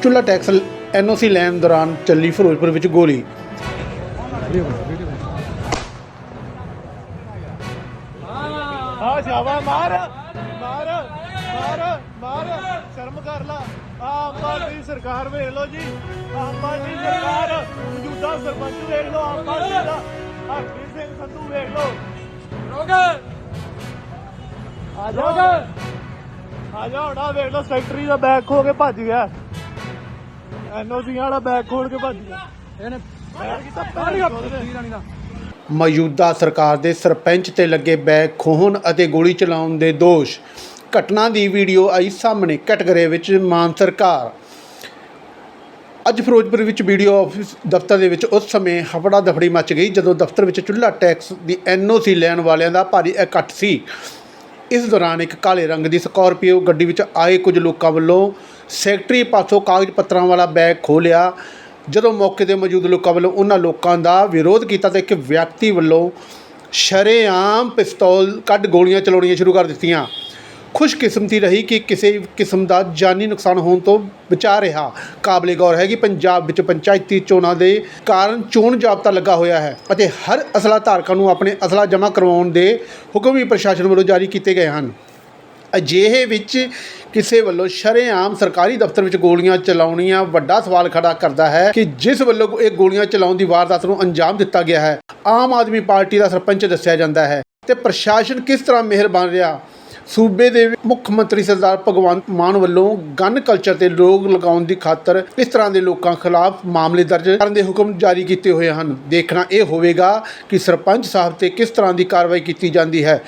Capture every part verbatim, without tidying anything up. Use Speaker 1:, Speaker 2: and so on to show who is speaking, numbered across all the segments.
Speaker 1: ਚੁੱਲ੍ਹਾ ਟੈਕਸ ਐਨ ਓ ਸੀ ਲੈਣ ਦੌਰਾਨ ਚੱਲੀ ਫਿਰੋਜ਼ਪੁਰ ਵਿੱਚ ਗੋਲੀ।
Speaker 2: ਆ ਜਾਵਾ ਮਾਰ ਮਾਰ ਮਾਰ ਮਾਰ ਸ਼ਰਮ ਕਰ ਲਾ। ਆਮ ਪਾਰਟੀ ਸਰਕਾਰ ਵੇਖ ਲਓ ਜੀ, ਆਮ ਪਾਰਟੀ ਸਰਕਾਰ, ਮੌਜੂਦਾ ਸਰਪੰਚ ਵੇਖ ਲਓ, ਆਮ ਪਾਰਟੀ ਦਾ ਹਰਪ੍ਰੀਤ ਸਿੰਘ ਸੰਧੂ ਵੇਖ ਲਓ। ਆ ਜਾ ਆ ਜਾ ਹੁਣ ਆ ਵੇਖ ਲਓ, ਸੈਕਟਰੀ ਦਾ ਬੈਗ ਖੋ ਕੇ ਭੱਜ ਗਿਆ, ਐਨ ਓ ਸੀ ਵਾਲਾ ਬੈਗ ਖੋਲ ਕੇ ਭੱਜ ਗਿਆ। ਇਹਨੇ
Speaker 1: ਮੌਜੂਦਾ ਸਰਕਾਰ ਦੇ ਸਰਪੰਚ ਤੇ ਲੱਗੇ ਬੈਗ ਖੋਹਣ ਅਤੇ ਗੋਲੀ ਚਲਾਉਣ ਦੇ ਦੋਸ਼। ਘਟਨਾ ਦੀ ਵੀਡੀਓ ਆਈ ਸਾਹਮਣੇ ਕਟਘਰੇ ਵਿੱਚ ਮਾਨ ਸਰਕਾਰ। ਅੱਜ ਫਿਰੋਜ਼ਪੁਰ ਵਿੱਚ ਵੀਡੀਓ ਆਫਿਸ ਦਫ਼ਤਰ ਦੇ ਵਿੱਚ ਉਸ ਸਮੇਂ ਹਫੜਾ ਦਫੜੀ ਮਚ ਗਈ ਜਦੋਂ ਦਫ਼ਤਰ ਵਿੱਚ ਚੁੱਲ੍ਹਾ ਟੈਕਸ ਦੀ ਐਨ ਓ ਸੀ ਲੈਣ ਵਾਲਿਆਂ ਦਾ ਭਾਰੀ ਇਕੱਠ ਸੀ। ਇਸ ਦੌਰਾਨ ਇੱਕ ਕਾਲੇ ਰੰਗ ਦੀ ਸਕਾਰਪੀਓ ਗੱਡੀ ਵਿੱਚ ਆਏ ਕੁਝ ਲੋਕਾਂ ਵੱਲੋਂ ਸੈਕਟਰੀ ਪਾਸੋਂ ਕਾਗਜ਼ ਪੱਤਰਾਂ ਵਾਲਾ ਬੈਗ ਖੋਹ ਲਿਆ। ਜਦੋਂ ਮੌਕੇ 'ਤੇ ਮੌਜੂਦ ਲੋਕਾਂ ਵੱਲੋਂ ਉਹਨਾਂ ਲੋਕਾਂ ਦਾ ਵਿਰੋਧ ਕੀਤਾ ਤਾਂ ਇੱਕ ਵਿਅਕਤੀ ਵੱਲੋਂ ਸ਼ਰੇਆਮ ਪਿਸਤੌਲ ਕੱਢ ਗੋਲੀਆਂ ਚਲਾਉਣੀਆਂ ਸ਼ੁਰੂ ਕਰ ਦਿੱਤੀਆਂ। ਖੁਸ਼ਕਿਸਮਤੀ ਰਹੀ ਕਿ ਕਿਸੇ ਕਿਸਮ ਦਾ ਜਾਨੀ ਨੁਕਸਾਨ ਹੋਣ ਤੋਂ ਬਚਾ ਰਿਹਾ। ਕਾਬਲੇ ਗੌਰ ਹੈ ਕਿ ਪੰਜਾਬ ਵਿੱਚ ਪੰਚਾਇਤੀ ਚੋਣਾਂ ਦੇ ਕਾਰਨ ਚੋਣ ਜ਼ਾਬਤਾ ਲੱਗਾ ਹੋਇਆ ਹੈ ਅਤੇ ਹਰ ਅਸਲਾ ਧਾਰਕਾਂ ਨੂੰ ਆਪਣੇ ਅਸਲਾ ਜਮ੍ਹਾਂ ਕਰਵਾਉਣ ਦੇ ਹੁਕਮ ਵੀ ਪ੍ਰਸ਼ਾਸਨ ਵੱਲੋਂ ਜਾਰੀ ਕੀਤੇ ਗਏ ਹਨ। ਅਜਿਹੇ ਵਿੱਚ ਕਿਸੇ ਵੱਲੋਂ ਸ਼ਰੇਆਮ ਸਰਕਾਰੀ ਦਫ਼ਤਰ ਵਿੱਚ ਗੋਲੀਆਂ ਚਲਾਉਣੀਆਂ ਵੱਡਾ ਸਵਾਲ ਖੜਾ ਕਰਦਾ ਹੈ ਕਿ ਜਿਸ ਵੱਲੋਂ ਇਹ ਗੋਲੀਆਂ ਚਲਾਉਣ ਦੀ ਵਾਰਦਾਤ ਨੂੰ ਅੰਜਾਮ ਦਿੱਤਾ ਗਿਆ ਹੈ ਆਮ ਆਦਮੀ ਪਾਰਟੀ ਦਾ ਸਰਪੰਚ ਦੱਸਿਆ ਜਾਂਦਾ ਹੈ ਤੇ ਪ੍ਰਸ਼ਾਸਨ ਕਿਸ ਤਰ੍ਹਾਂ ਮਿਹਰ ਬਣ ਰਿਹਾ। ਸੂਬੇ ਦੇ ਮੁੱਖ ਮੰਤਰੀ ਸਰਦਾਰ ਭਗਵੰਤ ਮਾਨ ਵੱਲੋਂ ਗਨ ਕਲਚਰ ਤੇ ਰੋਕ ਲਗਾਉਣ ਦੀ ਖਾਤਰ ਇਸ ਤਰ੍ਹਾਂ ਦੇ ਲੋਕਾਂ ਖਿਲਾਫ ਮਾਮਲੇ ਦਰਜ ਕਰਨ ਦੇ ਹੁਕਮ ਜਾਰੀ ਕੀਤੇ ਹੋਏ ਹਨ। ਦੇਖਣਾ ਇਹ ਹੋਵੇਗਾ ਕਿ ਸਰਪੰਚ ਸਾਹਿਬ ਤੇ ਕਿਸ ਤਰ੍ਹਾਂ ਦੀ ਕਾਰਵਾਈ ਕੀਤੀ ਜਾਂਦੀ ਹੈ।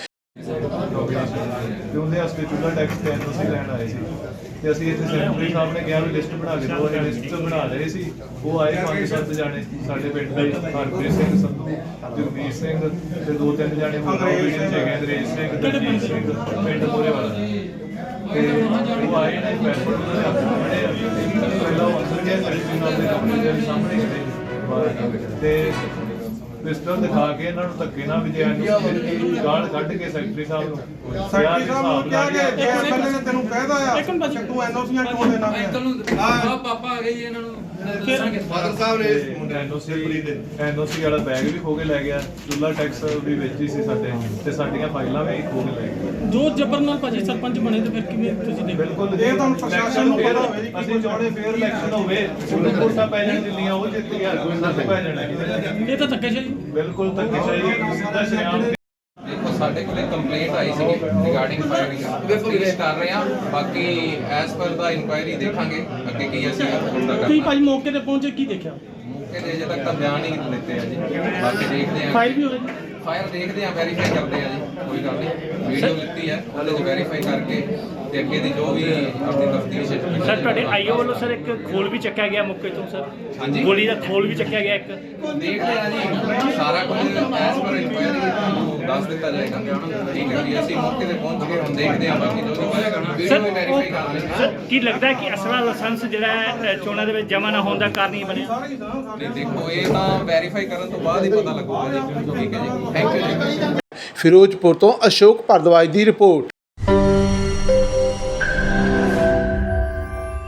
Speaker 2: ਉਹਦੇ ਵਾਸਤੇ ਚੁੱਲ੍ਹਾ ਟੈਕਸ ਤੇ ਐਨ ਓ ਸੀ ਲੈਣ ਆਏ ਸੀ ਤੇ ਅਸੀਂ ਇੱਥੇ ਸੈਕਟਰੀ ਸਾਹਿਬ ਨੇ ਕਿਹਾ ਵੀ ਲਿਸਟ ਬਣਾ ਕੇ ਦਿਓ। ਅਸੀਂ ਲਿਸਟ ਬਣਾ ਰਹੇ ਸੀ, ਉਹ ਆਏ ਪੰਜ ਸੱਤ ਜਾਣੇ ਸਾਡੇ ਪਿੰਡ ਦੇ, ਹਰਪ੍ਰੀਤ ਸਿੰਘ ਸੰਧੂ, ਜਗਦੀਪ ਸਿੰਘ ਤੇ ਦੋ ਤਿੰਨ ਜਾਣੇ ਹੋਰ ਅੰਗਰੇਜ਼ ਸਿੰਘ, ਦਲਜੀਤ ਸਿੰਘ ਪਿੰਡ ਮੋਰੇ ਵਾਲਾ ਤੇ ਉਹ ਆਏ ਨੇ ਪੈਸਪੋਰਟ ਉਹਨਾਂ ਦੇ ਹੱਥ ਫੜੇ ਆ। ਪਹਿਲਾਂ ਉਹ ਅੰਦਰ ਗਿਆ ਸੈਕਟਰੀ ਸਾਹਿਬ ਦੇ ਕਮਰੇ ਦੇ ਸਾਹਮਣੇ ਖੜੇ ਤੇ ਪਿਸਟਲ ਦਿਖਾ ਕੇ ਇਹਨਾਂ ਨੂੰ ਧੱਕੇ ਨਾਲ ਵਿਜੇ ਨੂੰ ਗਾਲ ਕੱਢ ਕੇ ਸੈਕਟਰੀ ਸਾਹਿਬ ਨੂੰ
Speaker 3: ਸੈਕਟਰੀ ਸਾਹਿਬ ਨੂੰ ਕਿਹਾ ਕਿ ਐਮਐਲਏ ਨੇ ਤੈਨੂੰ ਕਹਿਦਾ ਆ ਤੂੰ ਐਨ ਓ ਸੀਆਂ ਕਿਉਂ ਦੇਣਾ ਪਿਆ।
Speaker 4: ਆ ਪਾਪਾ ਆ ਗਏ ਜੀ ਇਹਨਾਂ ਨੂੰ ਦੱਸਾਂਗੇ।
Speaker 3: ਫਾਦਰ ਸਾਹਿਬ ਨੇ
Speaker 2: ਐਨ ਓ ਸੀ ਐਨ ਓ ਸੀ ਵਾਲਾ ਬੈਗ ਵੀ ਖੋ ਕੇ ਲੈ ਗਿਆ, ਚੁੱਲ੍ਹਾ ਟੈਕਸ ਵੀ ਵਿੱਚ ਹੀ ਸੀ ਸਾਡੇ ਤੇ ਸਾਡੀਆਂ ਫਾਈਲਾਂ ਵੀ ਖੋ ਕੇ ਲੈ ਗਏ।
Speaker 5: ਜੋ ਜਬਰ ਨਾਲ ਭਾਜੀ ਸਰਪੰਚ ਬਣੇ ਤੇ ਫਿਰ ਕਿਵੇਂ ਤੁਸੀਂ ਦੇਖੋ।
Speaker 2: ਬਿਲਕੁਲ
Speaker 3: ਇਹ ਤੁਹਾਨੂੰ ਪ੍ਰਸ਼ਾਸਨ ਨੂੰ ਪਤਾ ਹੋਵੇ ਜੀ
Speaker 2: ਅਸੀਂ ਚਾਹੁੰਦੇ ਫੇਰ ਇਲੈਕਸ਼ਨ ਹੋਵੇ, ਉਹਨੂੰ ਵੋਟਾਂ ਪੈ ਜਾਣ ਦਿੱਲੀਆਂ ਉਹ ਜਿੱਤ ਗਿਆ, ਕੋਈ ਨਾ ਪੈ ਜਾਣਾ।
Speaker 5: ਇਹ ਤਾਂ ਧੱਕੇਸ਼ਾਹੀ
Speaker 2: ਬਿਲਕੁਲ ਧੱਕੇਸ਼ਾਹੀ ਸਿੱਧਾ ਸ਼ਰਿਆਮ।
Speaker 4: ਦੇਖੋ ਸਾਡੇ ਕੋਲੇ ਕੰਪਲੇਂਟ ਆਈ ਸੀ ਰਿਗਾਰਡਿੰਗ ਫਾਇਰਿੰਗ, ਇਨਵੈਸਟੀਗੇਟ ਕਰ ਰਹੇ ਹਾਂ। ਬਾਕੀ ਐਸ ਪਰ ਦਾ ਇਨਕੁਆਇਰੀ ਦੇਖਾਂਗੇ ਅੱਗੇ ਕੀ ਅਸੀਂ ਹੁੰਦਾ
Speaker 5: ਤੁਸੀਂ
Speaker 4: ਕਰਨਾ।
Speaker 5: ਭਾਜੀ ਮੌਕੇ ਤੇ ਪਹੁੰਚੇ ਕੀ ਦੇਖਿਆ?
Speaker 4: ਮੌਕੇ ਤੇ ਅਜੇ ਤੱਕ ਤਾਂ ਬਿਆਨ ਹੀ ਦਿੱਤੇ ਆ ਜੀ, ਬਾਕੀ ਦੇਖਦੇ ਆ।
Speaker 5: ਫਾਇਰ ਵੀ ਹੋਏ
Speaker 4: ਫਾਇਰ ਦੇਖਦੇ ਆ, ਵੈਰੀਫਾਈ ਕਰਦੇ ਆ ਜੀ, ਕੋਈ ਗੱਲ ਨਹੀਂ। ਵੀਡੀਓ ਲਿੱਤੀ ਹੈ ਉਹਦੇ 'ਚ ਵੈਰੀਫਾਈ ਕਰਕੇ ਤੇ ਅੱਗੇ ਦੀ ਜੋ ਵੀ ਆਪਣੀ ਤਫਤੀਸ਼ ਹੈ।
Speaker 6: ਸਰ ਤੁਹਾਡੇ ਆਈਓ ਵੱਲੋਂ ਸਰ ਇੱਕ ਖੋਲ ਵੀ ਚੱਕਿਆ ਗਿਆ ਮੌਕੇ ਤੋਂ ਸਰ,
Speaker 4: ਹਾਂਜੀ
Speaker 6: ਗੋਲੀ ਦਾ ਖੋਲ ਵੀ ਚੱਕਿਆ ਗਿਆ ਇੱਕ।
Speaker 4: ਦੇਖਦੇ ਆ ਜੀ, ਸਾਰਾ ਕੁਝ ਐਸ ਪਰ ਇਨਕੁਆਇਰੀ ਤੁਹਾਨੂੰ ਦੱਸ ਦਿੱਤਾ ਜਾਏਗਾ। ਠੀਕ ਹੈ ਜੀ, ਅਸੀਂ ਮੌਕੇ ਤੇ ਪਹੁੰਚ ਕੇ ਹੁਣ ਦੇਖਦੇ ਆ, ਬਾਕੀ ਜੋ ਵੀ ਹੋਏਗਾ ਵੀਡੀਓ ਵੀ ਵੈਰੀਫਾਈ ਕਰ ਲੈਂਦੇ ਹਾਂ।
Speaker 6: ਸਰ ਕੀ ਲੱਗਦਾ ਹੈ ਕਿ ਅਸਲਾ ਲਾਇਸੈਂਸ ਜਿਹੜਾ ਹੈ ਚੋਣਾਂ ਦੇ ਵਿੱਚ ਜਮ੍ਹਾਂ ਨਾ ਹੋਣ ਦਾ ਕਾਰਨ ਹੀ ਬਣਿਆ?
Speaker 4: ਨਹੀਂ ਦੇਖੋ, ਇਹ ਤਾਂ ਵੈਰੀਫਾਈ ਕਰਨ ਤੋਂ ਬਾਅਦ ਹੀ ਪਤਾ ਲੱਗੂਗਾ ਜੀ। ਠੀਕ ਹੈ ਜੀ, ਥੈਂਕ ਯੂ ਜੀ।
Speaker 1: ਫਿਰੋਜ਼ਪੁਰ ਤੋਂ ਅਸ਼ੋਕ ਭਾਰਦਵਾਜ ਦੀ ਰਿਪੋਰਟ।